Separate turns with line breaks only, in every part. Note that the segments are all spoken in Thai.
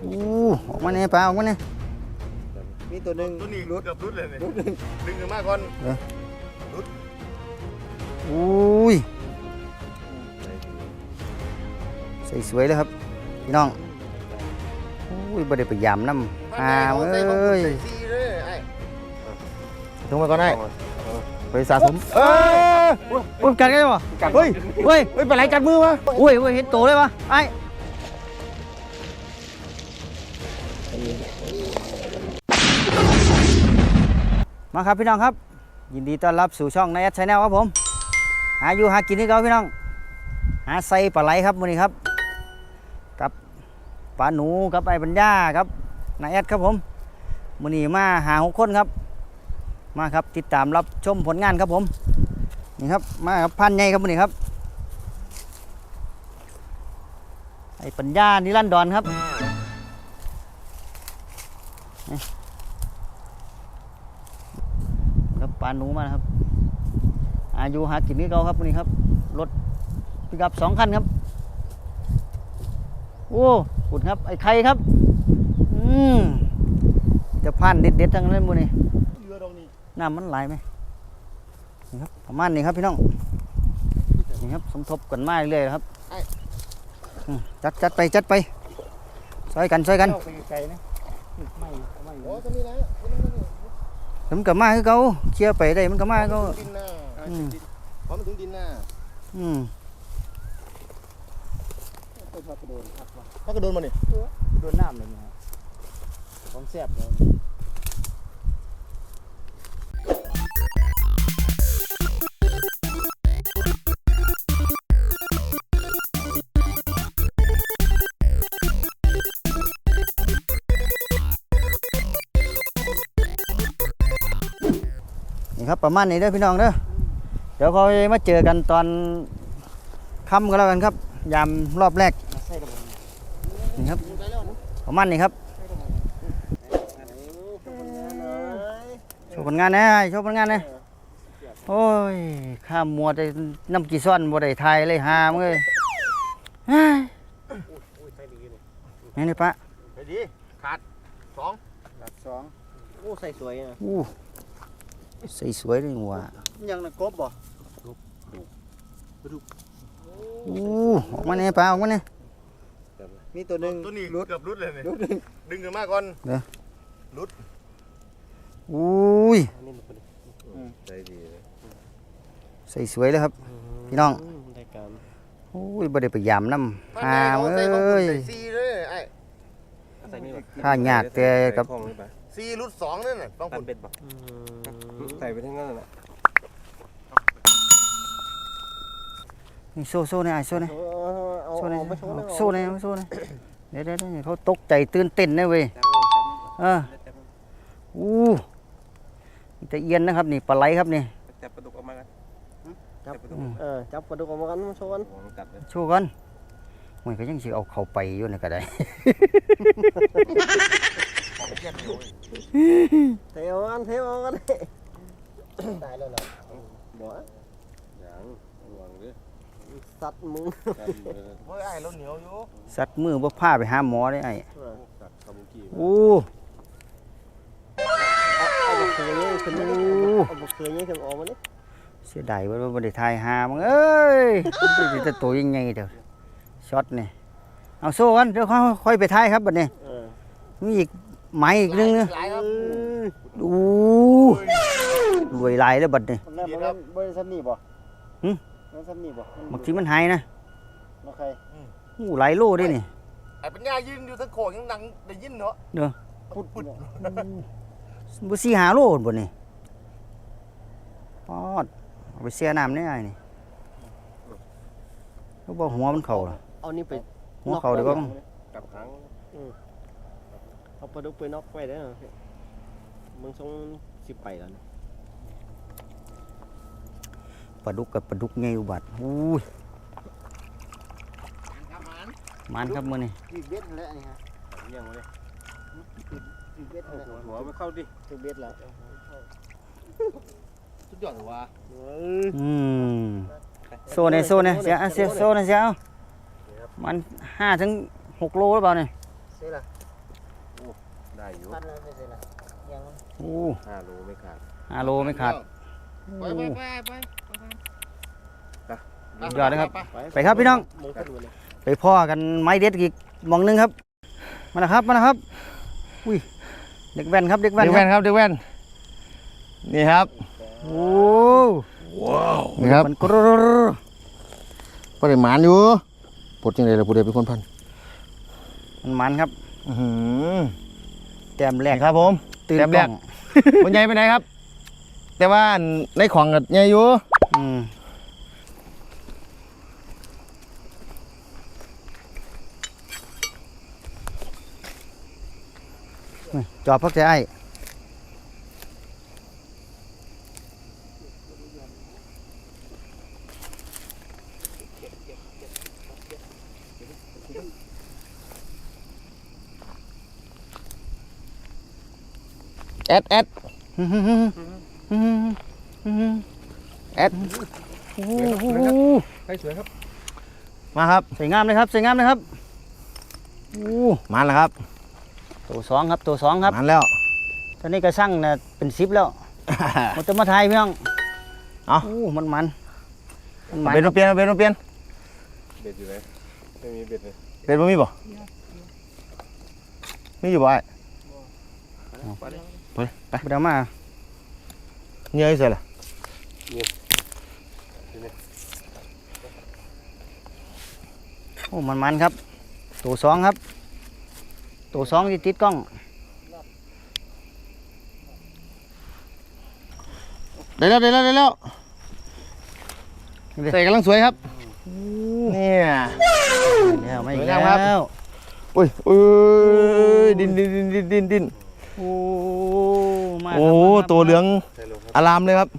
ออกมาเนี่ยปลาออกมาเนี่ย
มีตัวหนึ่ง
ตัวนี้
รุด
เกือบรุดเลยเนี่ยดึงกันมากก่อนรุด
อุ้ยใส่สวยเลยครับพี่น้องอุ้ยบ่ได้ไปยำน้ำหาเอ้ย
ซีเลยไอ้
ถึงมาก่อนได้ไปสะสม
อุ้ยกัดกันวะ
เฮ้ย
เฮ้ย
เฮ้ยปลาไหลกัดมือวะ
อุ้ยเห็นโตเลยวะไอ้มาครับพี่น้องครับยินดีต้อนรับสู่ช่องนายแอดชาแนลครับผมหาอยู่หากินที่เขาพี่น้องหาไซปลาไหลครับมื้อนี้ครับกับปลาหนูกับไอ้ปัญญาครับนายแอดครับผมมื้อนี้มาหา6 คนครับมาครับติดตามรับชมผลงานครับผมนี่ครับมาครับพันใหญ่ครับมื้อนี้ครับไอ้ปัญญานิรันดรครับครับปลาหนูมานะครับอายุหากินนี่เขาครับวันนี้ครับรถปิกอัพ2 คันครับโอ้ขุดครับไอ้ไข่ครับจะพันเด็ดๆทั้งนั้นมื้อนี้
เรือตรงนี้
น้ำมันไหลไหมนี่ครับประมาณนี้ครับพี่น้องนี่ครับสมทบกันมาเรื่อยๆครับจัดไปซอยกัน
ไกลๆนะไม่
โอ้ตรงนี้นะ
มันก็มาคือเขาเคลียร์ไปได้มันก็มาคือเขา
ดินหน้าพอมันถึงดินหน้า
ไปทอดกระโดนครับวะ
ถ้ากระโดนมาเนี่ย
โดนน้ำเลยนะของแซ่บเลย
นี่ครับประมาณนี้เด้อพี่น้องเด้อเดี๋ยวเขามาเจอกันตอนค่ำก็แล้วกันครับยามรอบแรกนี่ครับประมาณนี้ครับโชว์ผลงานนะโชว์ผลงานนะโอ้ยข้ามมัวแต่น้ำกี่ซ่อนบ่ได้ทายเลยหามเลยนี่ปะ
ไปดีขาด2
หลัก2โอ้ใส่สวยนะ
ใส่สวยเลยว่ะ
ยังนะกบบ่
ออกมาเนี่ยปลาออกมาเนี่ย
มีตัวหนึ่ง
ตัวนี้
รุด
เกือบรุดเลยเนี่ย
รุด
ดึงกันมากก่อนรุด
อุ้ย
ใจดีเลย
ใส่สวยเลยครับพี่น้อง
ได้การ
โอ้ยบ่ได้ไปยำน้ำหาเอ้ย
ซีเลยไอ้
ใส่นี่บ่
ข้ายากแต่กับ
ซีรุด2นั่นน่ะต้อง
ตั
ผ
น
ล
เป็ดบ่ใส่ไปทั้งนั้นน่ะ
นี่โซ่เนี่ยไอ้โซ่เนี่ยโซ่เนี่ยโซ่เนี่ยเดี๋ยวเขาตกใจตื่นเต้นนะเว้ยแต่เอียนนะครับนี่ปลาไหลครับนี่
จับปลาดุกออกมากันจับปลาดุกจับปลาดุกออกมากันโชว์กัน
โชว์กันมันก็ยังสิเอาเข้าไปอยู่นี่ก็ได้
เทเอากันตายแล้วเหรอบ่ยังหวังดิสัตว์มึง
เฮ้ยไอ้เราเหนียวอยู่
สัตว์มือบ่พาไปหาหมอได้ไอ้โอ้
เอาบกเคยนี่ขึ้นมาเอาบกเคยนี่ขึ้นออกมานี่
เสียดายว่าบ่ได้ทายหามึงเอ้ยมันจะตัวยังไงเด้อช็อตนี่เอาโซ่กันเดี๋ยวค่อยไปทายครับบัดนี้มีอีกไม้อีกนึงนะ
หลายครับ
รวยหลายแล้วบัดนี้
นั่นมันบริษัทนี่บ่บริษัทนี่บ่
บางทีมันหายนะ
มาใคร
หลายโลด้วยนี่
ไอ้ปัญญายืนอยู่ทั้งโขงยังดังได้ยินเนาะ
เด้อ
ปุด
บ่สิหาโลบ่นี่ปอดเอาไปเสียน้ำได้ไอ้นี่เขาบอกหัวมันเข้าล่ะ
เอานี่ไป
หัวเข้าเดี๋ยวก็
กับครั้งเอาปลาดุกไปน็อกไว้ได้มึงส่งสิไปแล้ว
ปลาดุกกับปลาดุกไงอุบัติอุ้ยมันครับมื้อนี้
ตีเบ็ดแล้วนี่ฮะยังเลยตีเบ็ดแล้วหัวมันเข้าดิตีเบ็ดแล้ว
สุดยอดเลยว่ะ
โซ่เนี่ยเสียโซ่เนี่ยเสียเอามัน5 ถึง 6 โลหรือเปล่าเนี่ย
เสียละได้อยู่
พันแล้วไม่ใช่ละยังมัน
โอ้
5 โลไม่ขาด
5 โลไม่ขาด
ไป
สุดยอดนะครับ ไปครับพี่น้อง
มงคลดูเลย
ไปพ่อกันไม้เด็ดอีกหมองหนึงครับมานะครับมานะครับอุ้ยเด็กแว่นครับเด็กแว่น
เด็กแว่นครับเด็กแว่นนี่ครับ
โอ้
นี่ครับ
มันกรร
ปริมาณอยู่ปลดจังได๋ล่ะผู้ใดเป็นคนพัน
มันครับ แต้มแรก
ครับผม
ตื่น
แต้มแร
กล้
ก
อง
มันใหญ่ไปไหนครับ แต่ว่าในของก็ใหญ่อยู่
อืมนี่จอบพักใจไอ้
แอด
แอด
ไปสวยครับ
มาครับ
สวยงามเลยครับสวยงามเลยครับโอ้
มาแล้วครับ
ตัวสองครับตัวสองครับ
มาแล้ว
ตอนนี้ก็สั่งนะเป็น10แล้วมันจะมาไทยพี่น้อง
เอา
โอ้มัน
เบ็ดมาเปลี่ยนเบ็ดมาเปลี่ยน
เบ็ดอยู่ไหนไม่มีเบ็ดเลย
เบ็ดบ่มีบ่มีอยู่บ่ไอ้ไปไป
เดี๋ยวมา
เหนื่อยเสียล่ะ
โอ้มันครับตัวสองครับตัวสองที่ติดกล้อง
ได้แล้วใส่กำลังสวยครับเนี่ย
แล้วไม่
สวย
แล้
งามครับ
ว
อุ้ยดิน
โอ้มา
โอ้
ครับ
ตัวเหลือง
ใช่ลงครับ
อารามเลยครับ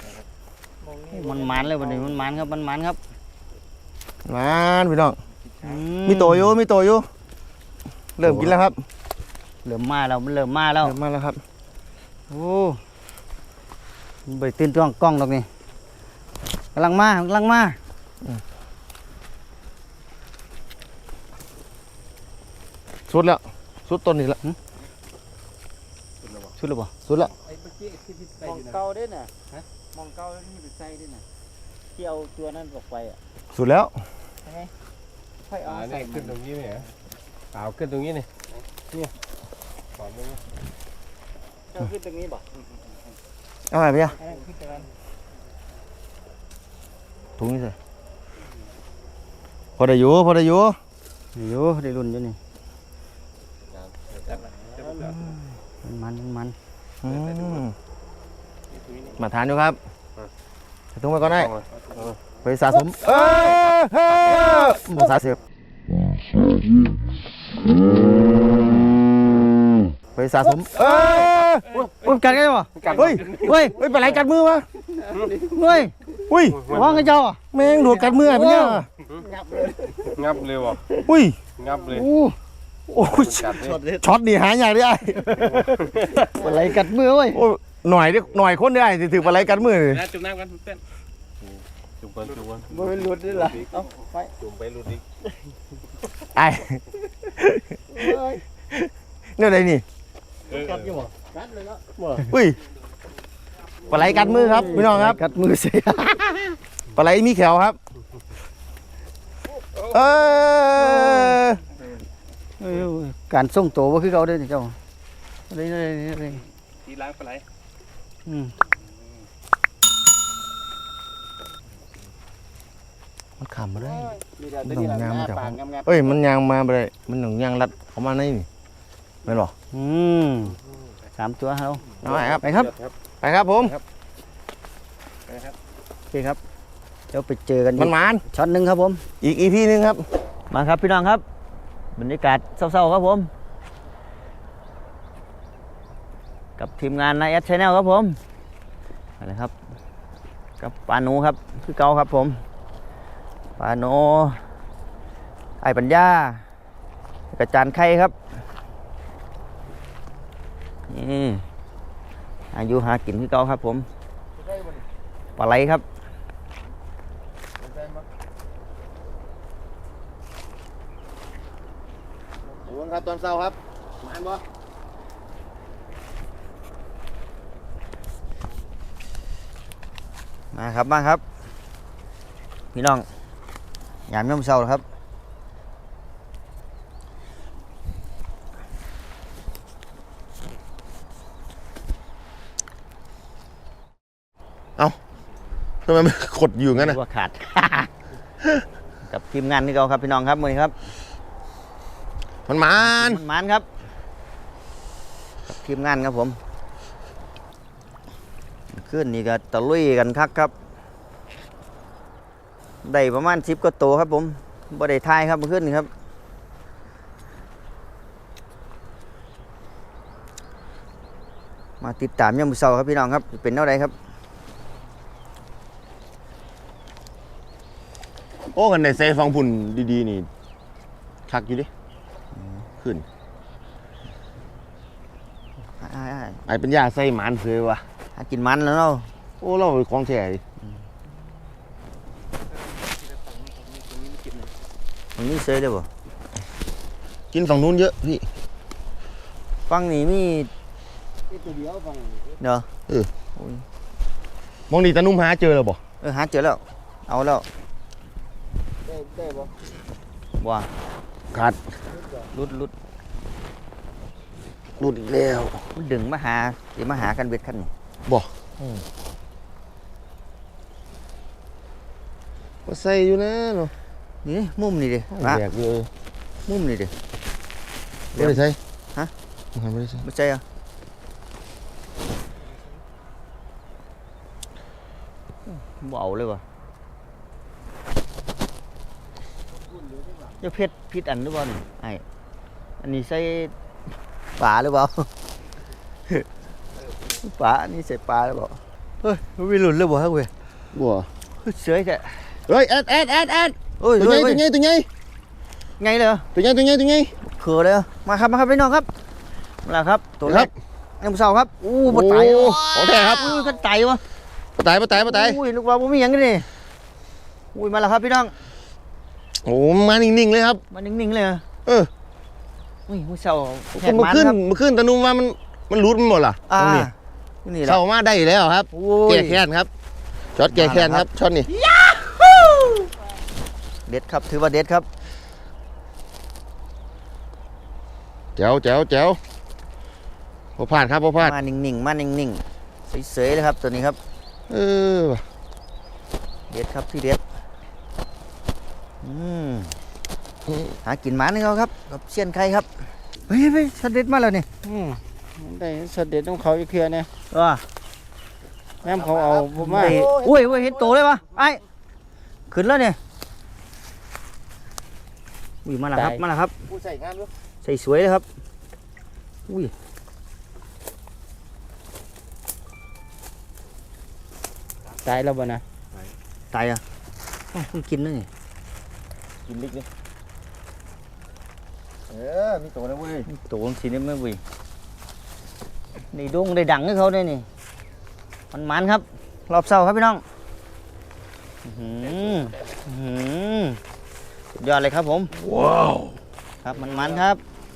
มันเลยวันนี้มันครับมันครับ
มาพี่น้อง
อื
มีโตอยู่เริ่มกินแล้วครับ
เริ่มมาแล้วมันเริ่มมาแล้ว
เริ่มมาแล้วครับ
โอ้ใบตื่นตัวกล้องดอกนี่กำลังมา
สุดแล้วสุดต้นนี่ละ
ชุดหรือเปล่า
สุดแล้ว
มองเก่าด้วยน่ะมองเก่าที่เป็นไส้ด้วยน่ะที่เอาตัวนั้นออกไปอ่ะ
สุดแล้ว
ค่อยเอาใส่
นี่ขึ้นตรงนี้ไหมฮะเปล่าขึ้นตรงนี้นี่ขอบมึง
เจ้าขึ้นตรงนี้บ่
เอาไปพี่อะ
อันนั้นขึ้นตรงนั้น
ถุงนี่ใส่พอได้อยู่
อยู่ได้รุ่นอยู่นี่มัน
อืมมาทานอยู่ครับใส่ถุงไปก่อนได้ไปสะสมสะสมไปสะสม
โอ้ยกัดกันวะ
เฮ้ย
เฮ้ย
ไปไหนกัดมือวะ
เฮ้ย
อุ้ย
ว่างกันเจ้าอ่ะ
แมงดูดกัดมือไอ้เป็นเนี่ย
งับเลยว่ะ
อุ้ย
งับเลย
โอ้
โอ้ย
กัดเลย
ช็อตนี่หายากได้
อะไรกัดมือเว้ย
โอ้หน่อยคนได้สิถือปลาไหลกัดมือเลย
นะจุ่มน้ำกันเต้นจุ่มกัน
บ่เป็นหลุดด้วยล่ะเอาไป
จุ่มไปรุดอีก
ไอ้เนี่ยอะไรนี่
กัดอยู่บ่กัดเลยเนาะ
อุ้ยปลาไหลกัดมือครับพี่น้องครับ
กัดมือเสีย
ปลาไหลมีแขวครับเออ
การส่งตัวว่าคือเขาเด้อนี่เจ้าอะไร
ทีล้างปลาไหล
มันขำมาได้
มีแต่ตัวนี้ล่ะหน้าปากงาม
เอ้ยมันยางมาไปเลยมันหนึ่งยางรัดเข้ามาในนี่ไม่หรอ
3 ตัวเรา
เอาไปครับ
ไปครับ
ไปครับผม
โอเคครับเดี๋ยวไปเจอกัน
มันหมาน
ช็อตหนึ่งครับผม
อีกอีพีนึงครับ
มาครับพี่น้องครับบรรยากาศเศร้าๆครับผมกับทีมงานนายแอดชแนลครับผมอะไรครับกับปาหนูครับคือเก่าครับผมปาหนูไอ้ปัญญากระจานไข่ครับนี่อายุหากินคือเก่าครับผมปลาไหลครับ
ดูครับตอนเช้าครับหมานบ่
มาครับพี่น้องยามย่ำเช้าครับ
ทำไมมันกดอยู่งั้นน่ะ
ว่าขาด กับทีมงานที่เราครับพี่น้องครับมื้อนี้ครับ
มัน
ครับกับทีมงานครับผมขึ้นนี่ก็ตะลุยกันคักครับได้ประมาณ10กว่าตัวครับผมบ่ได้ทายครับเมื่อคืนนี่ครับมาติดตามยามมื้อเช้าครับพี่น้องครับจะเป็นเท่าใดครับ
โอ้กันในเซฟังพุ่นดีๆนี่คักอยู่ดิขึ้น
อ้าย
ไอเป็นยาใส่หมานเสือวะ
หากินมันแล้วเนาะ
โอ้เราของแท้ดิ
มันมีเซยเลยบ่
กินฝั่งนู้นเยอะพี่
ฟังนี่มี
ตัวเดียวฟัง
เนาะ
มองดีตานุ่มหาเจอแล้วบ่
หาเจอแล้วเอาแล้ว
ได้บ่
ว่า
ขาด
ลุด
หลุดอีกแล้ว
มันดึงมาหาสิมาหากันเบ็ดคันนี่
บ่ก็ใส่อยู่นะเนาะ
นี่มุมนี่ดิ
แบกอยู่
มุมนี่ดิ
ไม่ได้ใส่
ฮะ
ไม่ได้ใส่
ไม่ใช่อ่ะบ่เอาเลยว่ะจะเพชรพิษอันหรือเปล่านี่ไอ้อันนี้ใส่ปลาหรือเปล่า ปลาอันนี้ใส่ปลาหรือเปล่าเฮ้ยมันมีหลุดเลยบ่ฮะเว้ย
บ่
เสือแก
เฮ้ยแอด
โอ้ย
ตัวใหญ่
เว้ย
ตัวใหญ่
ไงเลยเหรอ
ตัวใหญ่
เขือเลยเหรอมาครับพี่น้องครับมาแล้วครับตัวแร
ครั
ก
บ
น้ำเสาครับอู้บ่ตาย
โอ้ของแท้ครับ
อู้ก็ตายวะ
ปะตาย
อุ้ยลูกว่าบ่มีหยังกันนี่อุ้ยมาแล้วครับพี่น้อง
โอ้มานิ่งๆเลยครับ
มานิ่งๆเลยเหรอ
เออ
อุ้ยมื้อเช้าแหก
เมื่อ
มัน
ขึ้น
ครับ
เมื่อขึ้นตานุ่มว่ามันรูดมันหมดล่ะ
อ่า
ตรงนี้
นี่แหละ
เข้ามาได้แล้วครับ
โอ้ย
แก้แค้นครับช็อตแก้แค้นครับช็อตนี้
เด็ดครับถือว่าเด็ดครับ
แจ๋วพอพลาดครับพอพลาด
มานิ่งๆเฉยๆเลยครับตัวนี้ครับ
เออ
เด็ดครับที่เด็ดหากินหมานี่เขาครับกับเชียนไข่ครับเฮ้ยชัดเด็ดมาแล้วนี่
ได้เสด็จของเขาอีกเทื่อเนี่ย
ว่า
แม่เขาเอาผมมา
อุ้ยเห็นโตเลยวะไอ้ขึ้นแล้วเนี่ยอุ้ยมาแล้วครับ
ผู้ใส่งานด้วย
ใส่สวยเลยครับอุ้ย
ตายแล้วบ่นะ
ตายอ่ะอ้าวเพิ่งกินนั่นนี่
กินลิกนี่มีตัวนะเว้ย
โตจริงๆนี่ไม่วิ่งนี่ดงได้ดังให้เขาได้นี่มันครับรอบเสาครับพี่น้องสุดยอดเลยครับผมว้าวครับมันครับ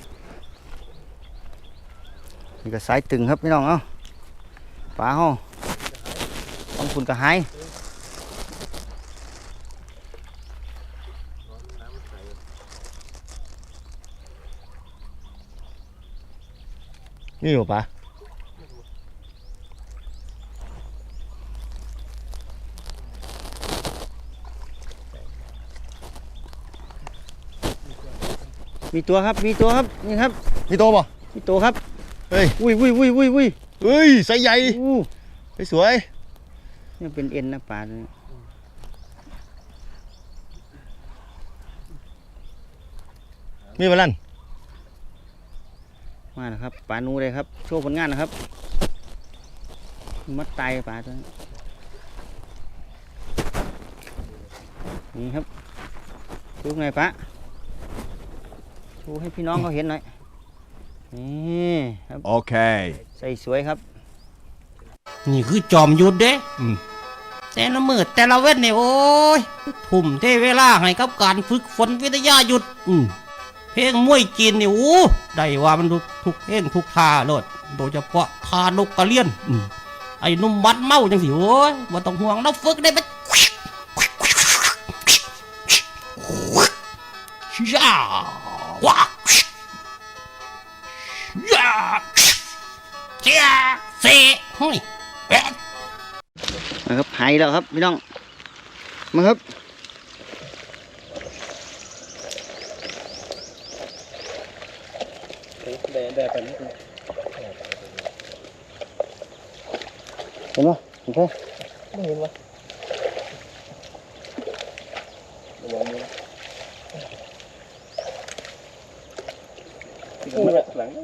นี่ก็สายตึงครับพี่น้องเอ้าปลาห้อต้องคุณกระหาย
นี่เหรอปะ
มีตัวครับนี่ครับ
มีตัวป่ะ
มีตัวครับ
เฮ้ย
อุ้ย
เฮ้ยไซส์ใหญ่
อู้
สวย
นี่เป็นเอ็นนะปลาตัวนี้
มีมาลั่น
มาแล้วครับปลานูเลยครับโชว์ผลงานนะครับมัดตายปลาตัวนี้นี่ครับดูไงปลาดูให้พี่น้องเขาเห็นหน่อยนี่ครับ
Okay.
ใส่สวยครับ
นี่คือจอมยุทธเด้แต่ละมือแต่ละเว้นเนี่ยโอ้ยทุ่มเทเวลาให้กับการฝึกฝนวิทยายุทธเพลงมวยจีนนี่โอ้ได้ว่ามันทุกเพลงทุกท่าโลดโดยเฉพาะท่านกกระเลียนไอ้หนุ่มบัดเมาจังสิโอ้ยบ่ต้องห่วงเราฝึกได้ไปย่าว้าย่าเจ้าเซ่เฮ้ย
นะครับหายแล้วครับพี่น้องมาครับ
ได้ไปนิดนึง
เห็นไหมโอเค
ไม่เห็นวะระวังมือหลัง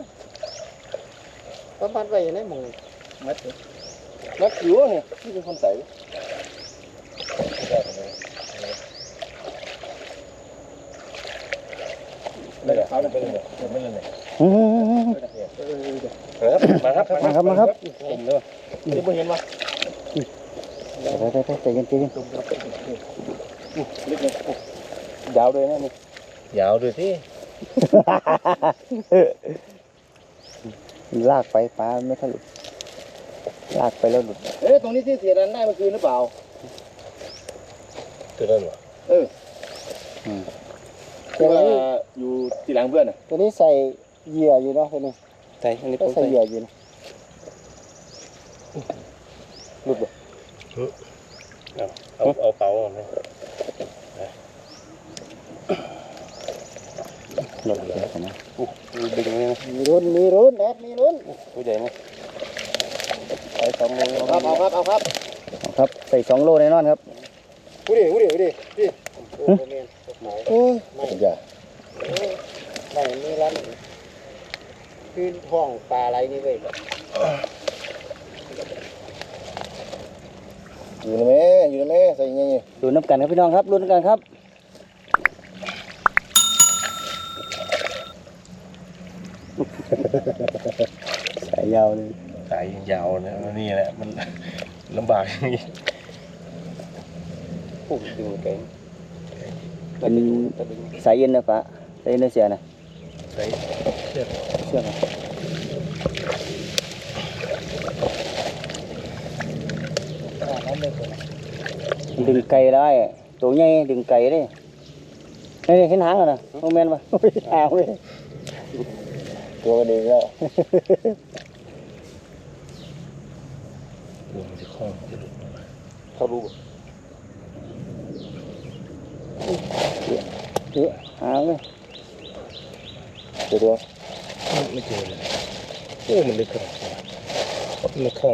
พันไปอย่างนี้มึง
มัดเลยมัดอยู่เนี่ยที่เป็นคนใส่ไม่ได้เขาเป็นแบบไม่เลยมาครับ
มาครับ
ผมเลยนี่ไม่เห็นวะ
ใจเย็นใจเย็น
ยาวเลยนะนี่ยาวเลยที่
ลากไปปลาไม่ค่อยหลุดลากไปแล้วหลุด
ตรงนี้ที่เสียดันได้เมื่อคืนหรือเปล่า
ตัวนั้นวะที่ว่าอยู่ที่หลังเพื่อนอ่ะ
ตัวนี้ใส่เหยื่ออยู่เนาะตัวนี้
ใช่อันนี้
ก็
ผม
ใส่
ใส่
เหยื่ออยู่นะ
หลุดบ่เอาเป๋าออกไหม
หลุดเลยนะ
ดึงเลยนะ
มีรุ่นมีรุ่นแอดมีรุ่น
ตัวใหญ่นะใส่2 โล
เอาครับ
ครับใส่2 โลแน่นอนครับ
กูดิพี่โอ้เมนโอ้ไม่
อย่า
ไม่มีร้านคือห้องปลาอะไรนี่เว้ย
อยู่ในแม่ใส่ยังไง
ดูน้ำกันครับพี่น้องครับรุ่นกันครับสายยาวเลย
สายยาวนะนี่แหละมันลำบากอย่างนี้โอ้ยดึงไกล
เป็นสายเย็นนะปะสายเย็นเสียนะ
ใส่เชือก
เชื่อไหมดึงไก่ได้ตัวใหญ่ดึงไก่ได้นี่เห็นหางนะโมเมนต์ปะหางเลย
ตัวมันเองแล้วตัวมันจะคล้องจะหลุดเขารู้
หางเลย
ตัวไม่เจอเลยโอ้มันลึกขนาดนี้มันคล้อง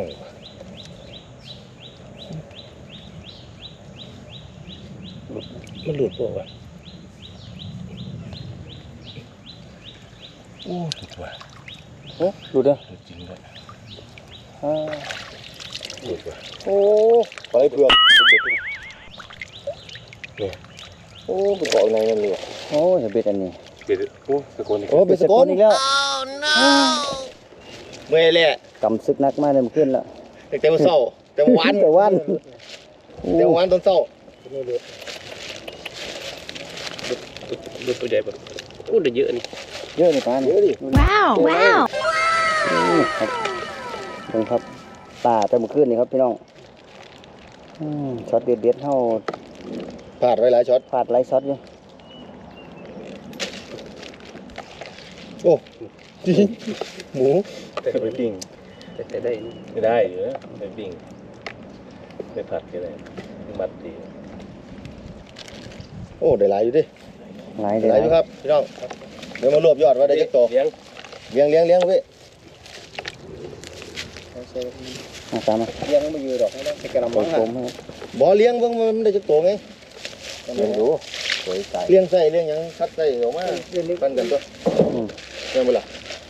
มันหลุดเปล่าวะโอ้หลุดว่ะ
ดูเด้อ
หลุดจริงด้วย หลุดว่ะ
โอ้
ปลาไหลเผือกเนี่ยโอ้ไปเกาะในนั่นเลยว่ะ
โอ้จะเบ็ดอันนี้
เบ็ดโอ้ตะโกนอีก
โอ้เบ็ดสกุลอีกแล้ว
เมื่อยแหละ
กำซึกนักมากเลยมันขึ้นแล้ว
แต่วันเสาร์แต่วัน
แต่วัน
แต่วันตอนเสาร์
ดูตัวใหญ่ปะโอ้เดือดเยอะนี่
เยอะเลยปลาเยอะดิ
Wow, wow.
ครับดูครับป่าแต่เมื่อคืนนี่ครับพี่น้องช็อตเด็ดๆเท่า
พลาดไว้หลายช็อต
พลาดไลฟ์ช็อตอยู่
หมู
แต่ไปปิ้งแต่ได้ไม่ได้เหรอไปปิ้งไปผัดก็ได้มัดดี
โอ้ได้หลายอยู่ดิ
หลาย
ได้หลายอยู่ครับพี่น้องเดี๋ยวมารวบยอดว่าได้จักโต
เลี้ยง
เลี้ยงพี่
ตามมา
เลี้ยงไม่ยืดดอกไม่ต้องใส่กระ
โผ
มัง
ล่
อ่ะ
ครับ
บ่เลี้ยงเบิ่งมันได้จักโตไง
เลี้ยงดูสวยใส
เลี้ยงใส่เลี้ยงหยังคัดใส่ออกมาปั้นกันตัวเลี้ยงบ่ล่ะ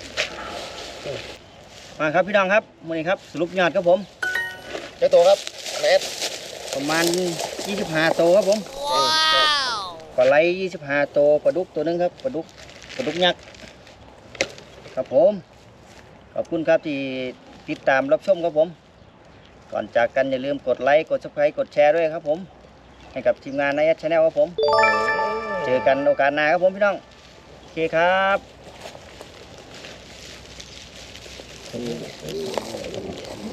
มาครับพี่น้องครับมื้อนี้ครับสรุปยอดครับผม
จักโตครับแมท
ประมาณ25 โตวครับผมปลาไหล25 โตวปลาดุกตัวหนึงครับปลาดุกยักษ์ครับผมขอบคุณครับที่ติดตามรับชมครับผมก่อนจากกันอย่าลืมกดไลค์กด Subscribe กดแชร์ด้วยครับผมให้กับทีมงานในแอดชาแนลครับผมเจอกันโอกาสหน้าครับผมพี่น้องโอเคครับ